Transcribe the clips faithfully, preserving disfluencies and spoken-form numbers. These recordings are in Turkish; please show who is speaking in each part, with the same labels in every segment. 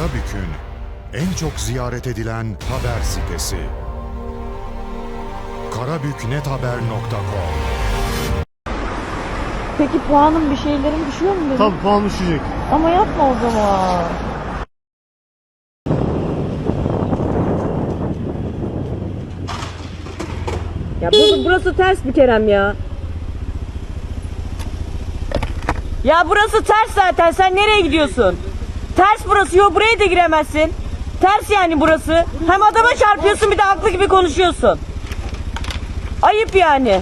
Speaker 1: Karabük'ün en çok ziyaret edilen haber sitesi. karabüknethaber nokta com.
Speaker 2: Peki puanın bir şeylerin düşüyor mu benim?
Speaker 3: Tabii puan düşecek.
Speaker 2: Ama yapma o zaman. Ya burası, burası ters bir Kerem ya. Ya burası ters zaten. Sen nereye gidiyorsun? Ters burası. Yok buraya da giremezsin. Ters yani burası. Hem adama çarpıyorsun bir de haklı gibi konuşuyorsun. Ayıp yani.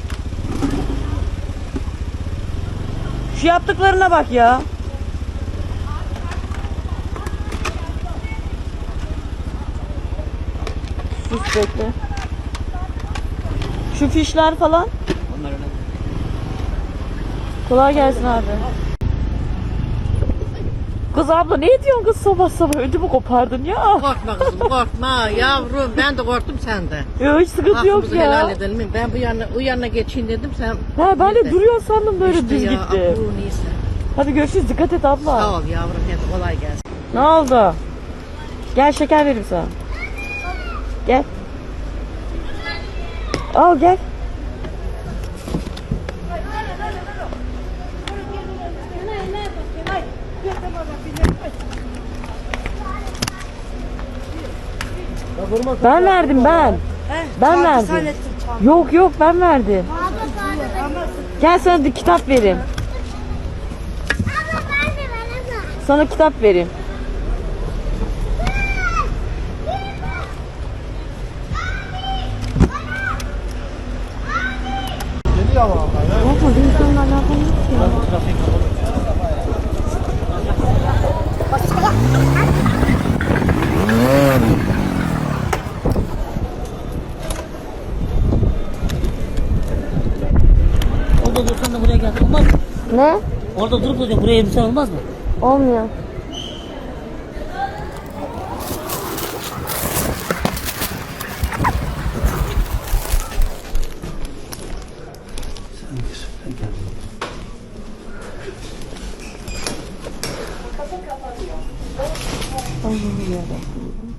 Speaker 2: Şu yaptıklarına bak ya. Sus bekle. Şu fişler falan. Kolay gelsin abi. Kız abla ne ediyorsun kız sabah sabah ödümü kopardın ya.
Speaker 4: Korkma kızım korkma yavrum, ben de korktum sen de.
Speaker 2: Yok hiç sıkıntı yok
Speaker 4: Hakkımızı
Speaker 2: ya.
Speaker 4: helal edelim. Ben bu yana, o yana geçeyim dedim sen.
Speaker 2: Ha ben de
Speaker 4: Neyse.
Speaker 2: duruyor sandım böyle
Speaker 4: İşte
Speaker 2: düz
Speaker 4: ya,
Speaker 2: gitti.
Speaker 4: abu, neyse.
Speaker 2: Hadi görüşürüz dikkat et abla.
Speaker 4: Sağ ol yavrum, hadi kolay gelsin.
Speaker 2: Ne oldu? Gel şeker vereyim sana. Gel. Al gel. Ben verdim ben. Ben verdim. Yok yok ben verdim. Gel sana bir kitap vereyim. Sana kitap vereyim.
Speaker 3: Geliyor ama abla ya.
Speaker 2: Yapma bir insanla alakalı yok ya.
Speaker 5: Orada dursan da buraya gel. Olmaz mı?
Speaker 2: Ne?
Speaker 5: Orada durup duracak buraya elbisen olmaz mı?
Speaker 2: Olmuyor. Allah'ım yarabbim.